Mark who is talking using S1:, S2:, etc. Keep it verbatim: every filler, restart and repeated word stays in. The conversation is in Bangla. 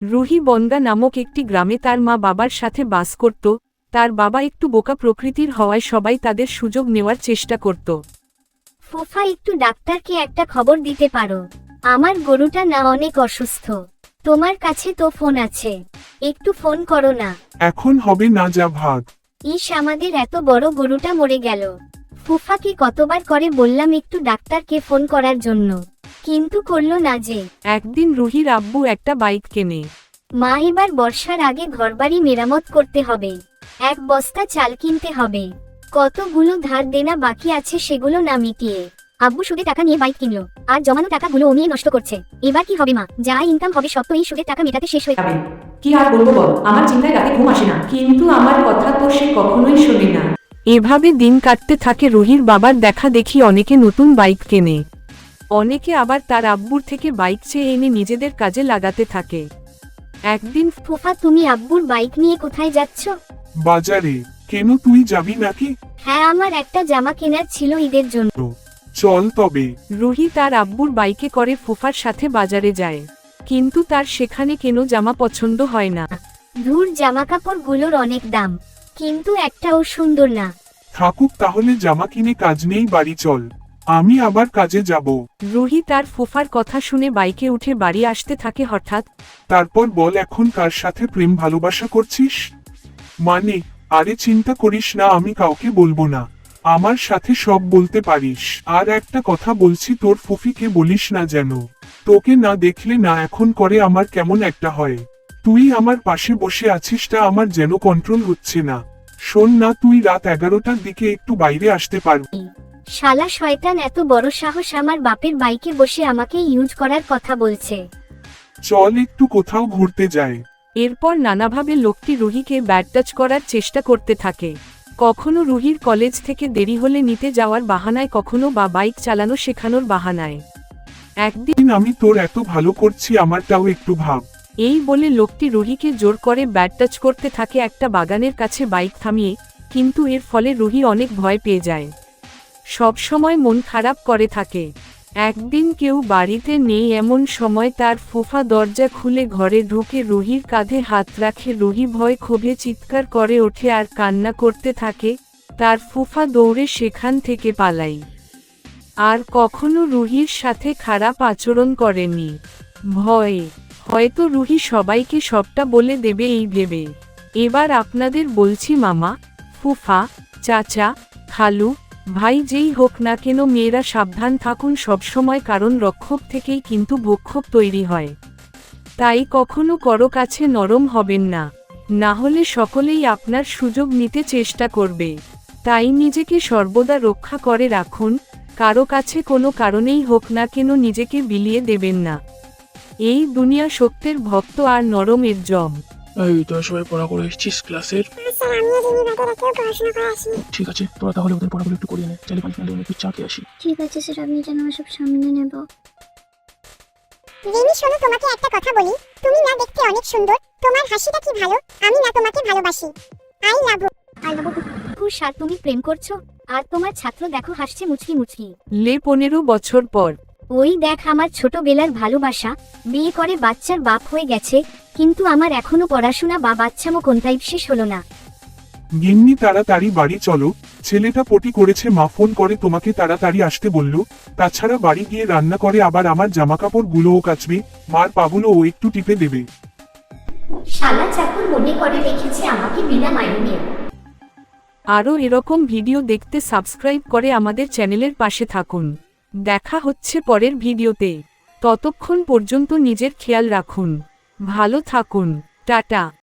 S1: রুহি বনগা নামক একটি গ্রামে তার মা বাবার সাথে বাস করত। তার বাবা একটু বোকা প্রকৃতির হওয়ায় সবাই তাদের সুযোগ নেওয়ার চেষ্টা করত।
S2: ফুফা, একটু ডাক্তারকে একটা খবর দিতে পারো? আমার গরুটা না অনেক অসুস্থ। তোমার কাছে তো ফোন আছে, একটু ফোন করো না।
S3: এখন হবে না, যা ভাগ।
S2: ইস, আমাদের এত বড় গরুটা মরে গেল। ফুফাকে কতবার করে বললাম একটু ডাক্তারকে ফোন করার জন্য, কিন্তু করলো না যে।
S1: একদিন রুহির আব্বু একটা বাইক কেনে।
S2: মা, এবার বর্ষার আগে ঘরবাড়ি মেরামত করতে হবে, এক বস্তা চাল কিনতে হবে, কতগুলো ধার দেনা বাকি আছে সেগুলো না মিটিয়ে। আব্বু সুদে টাকা নিয়ে বাইক কিনলো, আর জমানো টাকাগুলো ও নিয়ে নষ্ট করছে। এবার কি হবে মা? যা ইনকাম হবে সব তো এই সুদের টাকা মেটাতে শেষ হয়ে যাবে।
S4: কি আর বলবো বল, আমার চিন্তায় রাতে ঘুম আসে না।
S1: কিন্তু আমার কথা তো সে কখনোই শোনে না। এভাবে দিন কাটতে থাকে। রুহির বাবার দেখা দেখি অনেকে নতুন বাইক কেনে, অনেকে আবার তার আব্বুর থেকে বাইক চেয়ে এনে নিজেদের কাজে লাগাতে থাকে। একদিন
S2: ফুফা, তুমি আব্বুর বাইক নিয়ে কোথায় যাচ্ছ?
S3: বাজারে। কেন, তুই যাবি নাকি?
S2: হ্যাঁ, আমার একটা জামা কেনার ছিল ঈদের জন্য।
S3: চল তবে।
S1: রুহি তার আব্বুর বাইকে করে ফুফার সাথে বাজারে যায়, কিন্তু তার সেখানে কেন জামা পছন্দ হয় না।
S2: ধুর, জামা কাপড়গুলোর অনেক দাম, কিন্তু একটাও সুন্দর না।
S3: থাকুক তাহলে, জামা কিনে কাজ নেই, বাড়ি চল, আমি আবার কাজে যাব।
S1: রুহি তার ফুফার কথা শুনে বাইকে উঠে বাড়ি আসতে থাকে। হঠাৎ
S3: তারপর বল, এখন কার সাথে প্রেম ভালোবাসা করছিস? মানে, আরে চিন্তা করিস না, আমি কাউকে বলবো না, আমার সাথে সব বলতে পারিস। আর একটা কথা বলছি, তোর ফুফিকে বলিস না যেন। তোকে না দেখলে না এখন করে আমার কেমন একটা হয়। তুই আমার পাশে বসে আছিস, তা আমার যেন কন্ট্রোল হচ্ছে না। শোন না, তুই রাত এগারোটার দিকে একটু বাইরে আসতে পারবি?
S2: শালা শয়তান, এত বড় সাহস আমার বাপের বাইকে বসে আমাকে ইউজ করার কথা বলছে।
S3: চল একটু কোথাও ঘুরতে যাই।
S1: এরপর নানাভাবে লোকটি রুহিকে ব্যাড টাচ করার চেষ্টা করতে থাকে। কখনো রুহির কলেজ থেকে দেরি হলে নিতে যাওয়ার বাহানায়, কখনো বা বাইক চালানো শেখানোর বাহানায়। একদিন
S3: আমি তোর এত ভালো করছি, আমারটাও একটু ভাব।
S1: এই বলে লোকটি রুহিকে জোর করে ব্যাড টাচ করতে থাকে একটা বাগানের কাছে বাইক থামিয়ে। কিন্তু এর ফলে রুহি অনেক ভয় পেয়ে যায়, সব সময় মন খারাপ করে থাকে। একদিন কেউ বাড়িতে নেই এমন সময় তার ফুফা দরজা খুলে ঘরে ঢুকে রুহির কাঁধে হাত রাখে। রুহি ভয় ক্ষোভে চিৎকার করে ওঠে আর কান্না করতে থাকে। তার ফুফা দৌড়ে সেখান থেকে পালাই, আর কখনো রুহির সাথে খারাপ আচরণ করেনি। ভয়ে হয়তো রুহি সবাইকে সবটা বলে দেবে এই ভেবে। এবার আপনাদের বলছি, মামা, ফুফা, চাচা, খালু, ভাই যেই হোক না কেন, মেয়েরা সাবধান থাকুন সবসময়, কারণ রক্ষক থেকেই কিন্তু ভক্ষক তৈরি হয়। তাই কখনো কারো কাছে নরম হবেন না, না হলে সকলেই আপনার সুযোগ নিতে চেষ্টা করবে। তাই নিজেকে সর্বদা রক্ষা করে রাখুন, কারো কাছে কোনো কারণেই হোক না কেন নিজেকে বিলিয়ে দেবেন না। এই দুনিয়া সত্যের ভক্ত আর নরমের জম।
S5: এই তোরা সবাই পড়া করে এসেছিস ক্লাসের?
S6: স্যার, আমিও দিনই বাদে রাতেও পড়াশোনা করে আসি।
S5: ঠিক আছে, তোরা তাহলে ওদের পড়াগুলো একটু করিয়ে নে, চাইলে পাঁচ মিনিট একটু চা খেয়ে আসি।
S6: ঠিক আছে স্যার, আপনি যেন সব সামনে নেব। রিমি, শোনো, তোমাকে একটা কথা বলি। তুমি না দেখতে অনেক সুন্দর, তোমার হাসিটা কি ভালো। আমি না তোমাকে ভালোবাসি। I love you.
S2: I love you. Sir, তুমি প্রেম করছো? আর তোমার ছাত্র দেখো হাসছে মুচকি মুচকি।
S1: লে পনেরো বছর পর।
S2: ওই দেখ, আমার ছোটবেলার ভালোবাসা বিয়ে করে বাচ্চার বাপ হয়ে গেছে, কিন্তু আমার এখনো পড়াশোনা বা বাচ্চামো কোনটাই শেষ হলো না।
S3: গিন্নি, তাড়াতাড়ি বাড়ি চলো, ছেলেটা পটি করেছে, মা ফোন করে তোমাকে তাড়াতাড়ি আসতে বলল। তাছাড়া বাড়ি গিয়ে রান্না করে আবার আমার জামাকাপড় গুলোও কাচবে, মার পাগুলো ও একটু টিপে দেবে।
S2: শালা চাকর মনে করে রেখেছে আমাকে বিনা মাইনে।
S1: আরও এরকম ভিডিও দেখতে সাবস্ক্রাইব করে আমাদের চ্যানেলের পাশে থাকুন। দেখা হচ্ছে পরের ভিডিওতে। ততক্ষণ পর্যন্ত নিজের খেয়াল রাখুন, ভালো থাকুন, টাটা।